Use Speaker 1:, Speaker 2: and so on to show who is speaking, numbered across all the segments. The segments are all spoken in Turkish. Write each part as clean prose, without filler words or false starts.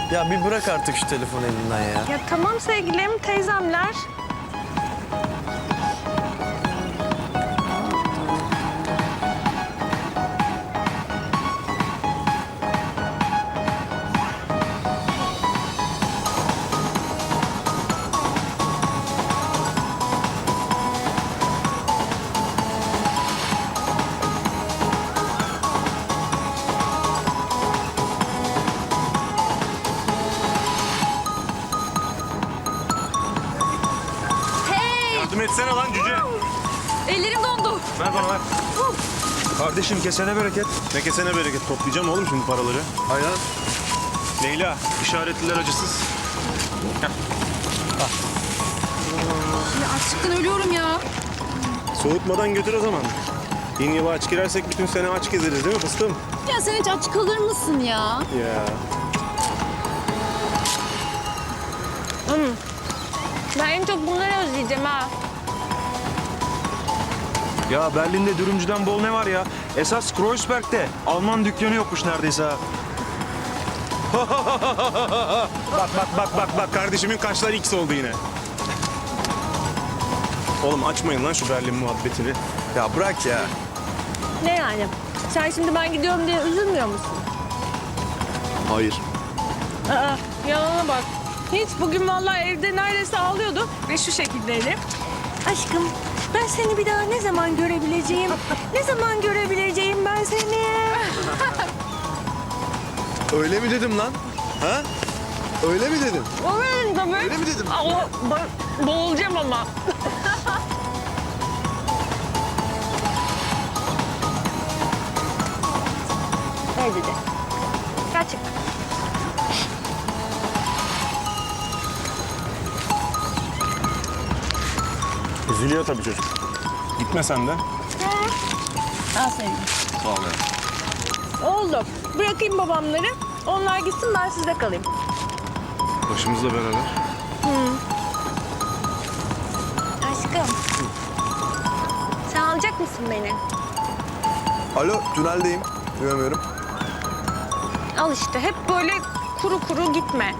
Speaker 1: Ya bir bırak artık şu telefonu elinden ya.
Speaker 2: Ya tamam sevgilim, teyzemler.
Speaker 3: Yardım etsene lan cüce.
Speaker 4: Ellerim dondu.
Speaker 3: Ver bana ver.
Speaker 5: Kardeşim kesene bereket.
Speaker 3: Ne kesene bereket, toplayacağım oğlum şimdi paraları.
Speaker 1: Aynen.
Speaker 3: Leyla, işaretliler acısız.
Speaker 4: Ya açlıktan ölüyorum ya.
Speaker 3: Soğutmadan götür o zaman. Yeni yıla aç girersek bütün sene aç gezeriz değil mi fıstığım?
Speaker 4: Ya sen hiç aç kalır mısın ya?
Speaker 3: Ya.
Speaker 2: Ben en çok bunları özleyeceğim ha.
Speaker 5: Ya Berlin'de dürümcüden bol ne var ya? Esas Kreuzberg'de Alman dükkanı yokmuş neredeyse ha.
Speaker 3: Bak kardeşimin kaşlar X oldu yine. Oğlum açmayın lan şu Berlin muhabbetini.
Speaker 1: Ya bırak ya.
Speaker 2: Ne yani? Sen şimdi ben gidiyorum diye üzülmüyor musun?
Speaker 1: Hayır.
Speaker 2: Aa, yalana bak. Hiç bugün vallahi evde neredeyse ağlıyordu ve şu şekildeydi. Aşkım ben seni bir daha ne zaman görebileceğim? Ne zaman görebileceğim ben seni?
Speaker 1: Öyle mi dedim lan? Ha? Öyle mi dedim?
Speaker 2: Öyle tabii.
Speaker 1: Öyle mi dedim?
Speaker 2: Ama boğulacağım ama. Öyle dedi. Gerçekten.
Speaker 3: Üzülüyor tabii çocuk. Gitme sen de.
Speaker 2: Al sevgilim.
Speaker 1: Sağ ol ya.
Speaker 2: Oldu. Bırakayım babamları. Onlar gitsin ben sizde kalayım.
Speaker 3: Başımızla beraber.
Speaker 2: Aşkım. Sen alacak mısın beni?
Speaker 1: Alo, tüneldeyim. Duyamıyorum.
Speaker 2: Al işte. Hep böyle kuru kuru gitme.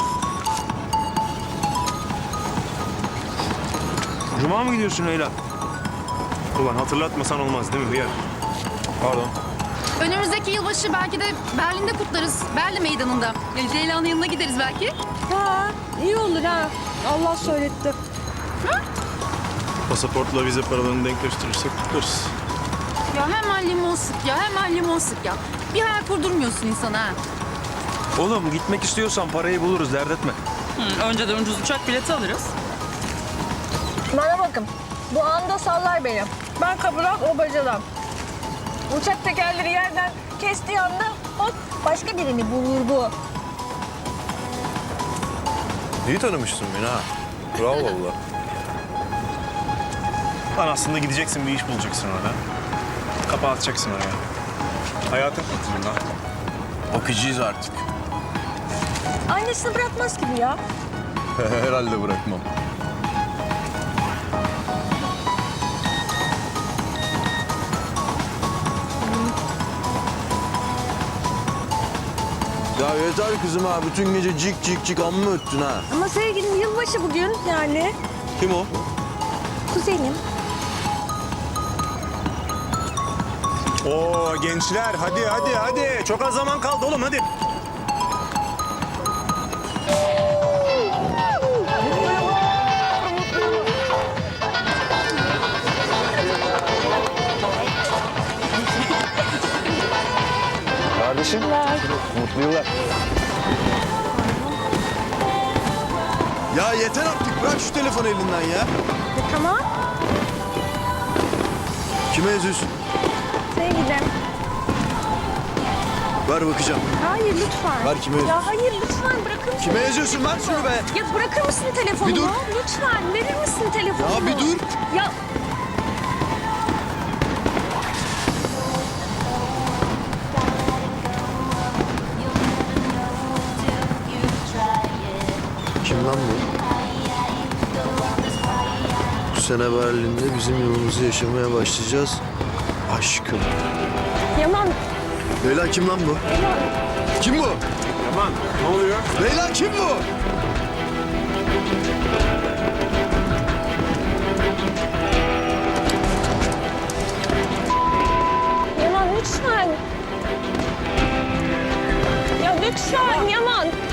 Speaker 5: Cuma mı gidiyorsun Leyla?
Speaker 3: Ulan hatırlatmasan olmaz değil mi hıyar?
Speaker 5: Pardon.
Speaker 4: Önümüzdeki yılbaşı belki de Berlin'de kutlarız. Berlin meydanında. Leyla'nın yanına gideriz belki.
Speaker 2: Ha, iyi olur ha. Allah söyletti.
Speaker 3: Pasaportla vize paralarını denkleştirirsek kutlarız.
Speaker 4: Ya hemen limon sık ya, hemen limon sık ya. Bir hayal kurdurmuyorsun insana ha.
Speaker 5: Oğlum gitmek istiyorsan parayı buluruz dert etme.
Speaker 6: Önceden ucuz uçak bileti alırız.
Speaker 2: Bana bakın. Bu anda sallar beni. Ben kapıdan, o bacadan. Uçak tekerleri yerden kestiği anda hop başka birini bulur bu.
Speaker 1: İyi tanımışsın beni ha. Bravo valla.
Speaker 3: Lan aslında gideceksin bir iş bulacaksın orada. Kapağı atacaksın oraya. Hayatın kurtulur lan.
Speaker 1: Bakıcıyız artık.
Speaker 2: Annesini bırakmaz gibi ya.
Speaker 1: Herhalde bırakmam. Ya yeter kızım ha. Bütün gece cik cik cik amma öttün ha.
Speaker 2: Ama sevgilim yılbaşı bugün yani.
Speaker 1: Kim o?
Speaker 2: Kuzenim.
Speaker 3: Oo gençler hadi. Çok az zaman kaldı oğlum hadi.
Speaker 5: Kardeşim. Mutlu yıllar.
Speaker 1: Ya yeter artık. Bırak şu telefonu elinden ya.
Speaker 2: Tamam.
Speaker 1: Kime yazıyorsun?
Speaker 2: Sevgilim.
Speaker 1: Ver bakacağım.
Speaker 2: Hayır lütfen.
Speaker 1: Ver kime yazıyorsun?
Speaker 2: Ya hayır lütfen bırakır mısın?
Speaker 1: Kime yazıyorsun? Ver şunu be.
Speaker 2: Ya bırakır mısın telefonu?
Speaker 1: Bir dur.
Speaker 2: Lütfen verir misin telefonu?
Speaker 1: Ya bir dur.
Speaker 2: Ya
Speaker 1: Kim lan bu? Bu sene Berlin'de bizim yolumuzu yaşamaya başlayacağız. Aşkım.
Speaker 2: Yaman.
Speaker 1: Leyla kim lan bu? Kim bu?
Speaker 5: Yaman ne oluyor?
Speaker 1: Leyla kim bu?
Speaker 2: Yaman lütfen. Ya lütfen Yaman.